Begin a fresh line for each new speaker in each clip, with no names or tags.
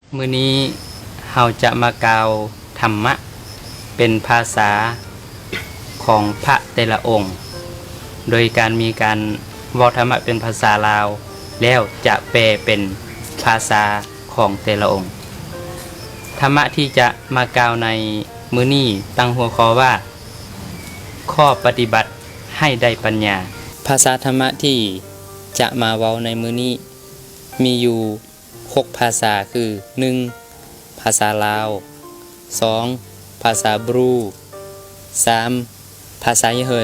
มื้อนี้เราจะมากล่าวธรรมะเป็นภาษาของพระแต่ละองค์ โดยการมีการเว้าธรรมะเป็นภาษาลาวแล้วจะแปลเป็นภาษาของแต่ละองค์ ธรรมะที่จะมากล่าวในมื้อนี้ตั้งหัวข้อว่าข้อปฏิบัติให้ได้ปัญญา ภาษาธรรมะที่จะมาเว้าในมื้อนี้มีอยู่6ภาษาคือ 1. ภาษาลาว 2. ภาษาบรู 3. ภาษายะเหิน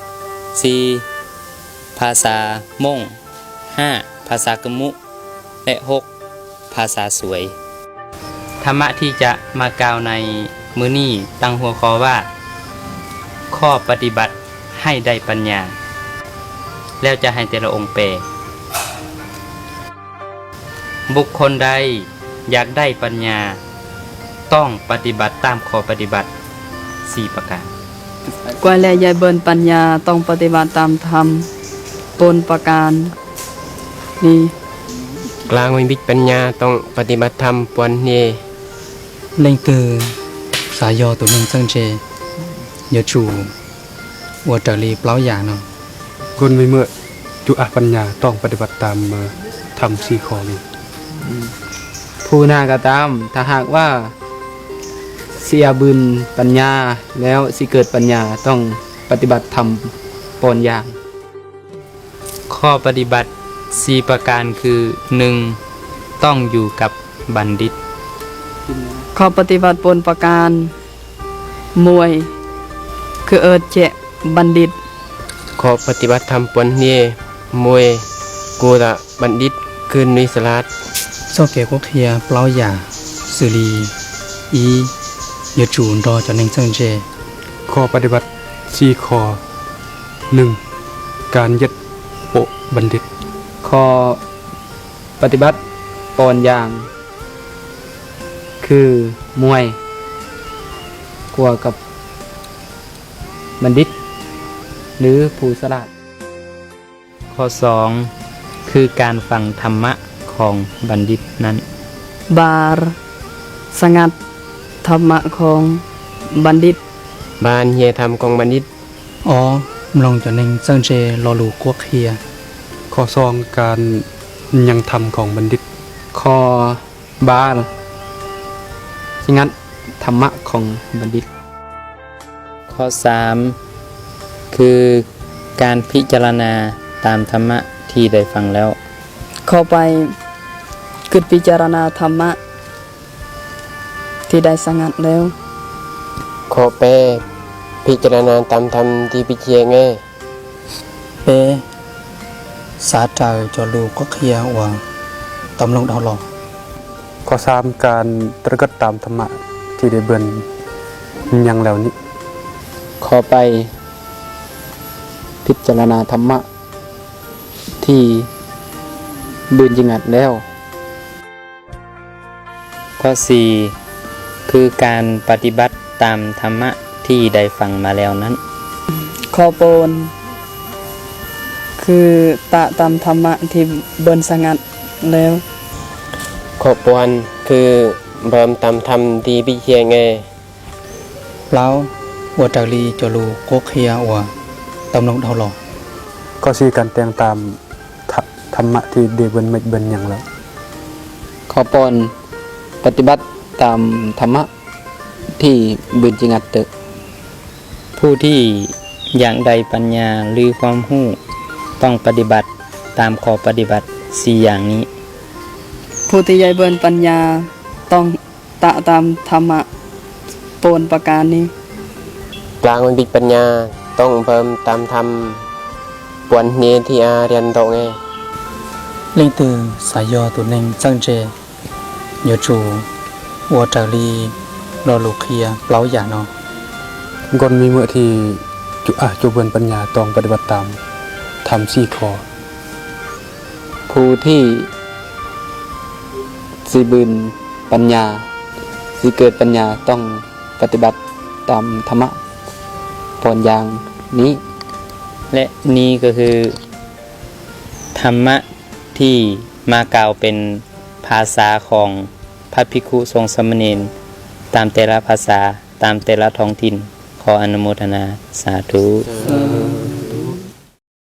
4. ภาษามง 5. ภาษากะมุ และ 6. ภาษาสวย ธรรมะที่จะมากล่าวในมื้อนี้ตั้งหัวข้อว่าข้อปฏิบัติให้ได้ปัญญา แล้วจะให้แต่ละองค์แปลบุคคลใดอยากได้ปัญญาต้องปฏิบัติตามข้อปฏิบัติ4ประการ
กว่าและยายเบินปัญญาต้องปฏิบัติตามธรรมปนประการนี้
กลางวิบิตปัญญาต้องปฏิบัติธรรมปวนเน
Lên từ xã do tụi mình sân chê nhớ chủ của trở lý báo giả nó
คนไม่เมื่อจุอาปัญญาต้องปฏิบัติตามทำ4ข้อนี้
ผู้นากระตามถ้าหากว่าเสียบุญปัญญาแล้วสิเกิดปัญญาต้องปฏิบัติธรรมปอนอย่าง
ข้อปฏิบัติ4ประการคือ 1. ต้องอยู่กับบัณฑิต
ข้อปฏิบัติปนประการมวย คือเจบัณฑิต
ขอปฏิบัติธรรมปวนเนมวยกูละบัณฑิตคืนนิสลาด
do kẻ quốc thia báo giả xử lý ý nhớ chủ đo cho nên sân chê
ข้อปฏิบัติ4ข้อ 1. การยึดโปะบัณฑิต
ข้อปฏิบัติปอนอย่าง คือมวยกลัวกับบัณฑิต หรือผู้สลาด
ข้อ 2. คือการฟังธรรมะของบัณฑิตนั้น
บาร์สงัดธรรมะของบัณฑิต
บานเฮียธรรมของบัณฑิต
ó lòng cho nên sân chê lo lù quốc thia
ข้อ 2 การยังธรรมของบัณฑิต
ข้อบาลสงัดธรรมะของบัณฑิต
ข้อ 3. คือการพิจารณาตามธรรมะที่ได้ฟังแล้ว
เข้าไปคือพิจารณาธรรมะที่ได้สงัดแล้ว
ขอแปรพิจารณาตามธรรมที่พิเชียง
bê xã trời cho lù quốc thia và tầm lòng đau lòng
ข้อ 3 การตระกัดตามธรรมะที่ได้เบิ่นยังแล้วนี้
ขอไปพิจารณาธรรมะที่บืนจิงัดแล้ว
ข้อ 4. คือการปฏิบัติตามธรรมะที่ได้ฟังมาแล้วนั้น
ข้อปนคือตะตามธรรมะที่เบินสงัดแล้ว
ขอปวนคือเบิ่มตามธรรมที่พิเชียง
lão của trở lý cho lù quốc thia và tầm lòng đau lòng
ข้อ 4 การแต่งตามธรรมะที่ได้เบิ่นไม่เบิ่นยังแล้ว
ขอปอนปฏิบัติตามธรรมะที่บืนจิงัดเตอ
ผู้ที่อยากได้ปัญญาหรือความรู้ต้องปฏิบัติตามข้อปฏิบัติ4อย่างนี้
ผู้ที่ยายเบินปัญญาต้องตะตามธรรมะปนประการนี้
กลางวิบิตปัญญาต้องเบิ่มตามธรรมปวนเนที่อาเรียนโตไง
Lên từ xã do tụi mình sân chê nhớ chủ của trở lý lo lù thia báo giả nó
คนมีเมื่อที่จุเบิ่นปัญญาต้องปฏิบัติตามทำ4ข้อ
ผู้ที่สิบืนปัญญาสิเกิดปัญญาต้องปฏิบัติตามธรรมะปอนอย่างนี้
และนี่ก็คือธรรมะที่มากล่าวเป็นภาษาของพระภิกขุสงฆ์สามเณรตามแต่ละภาษาตามแต่ละท้องถิ่นขออนุโมทนาสาธุ
ส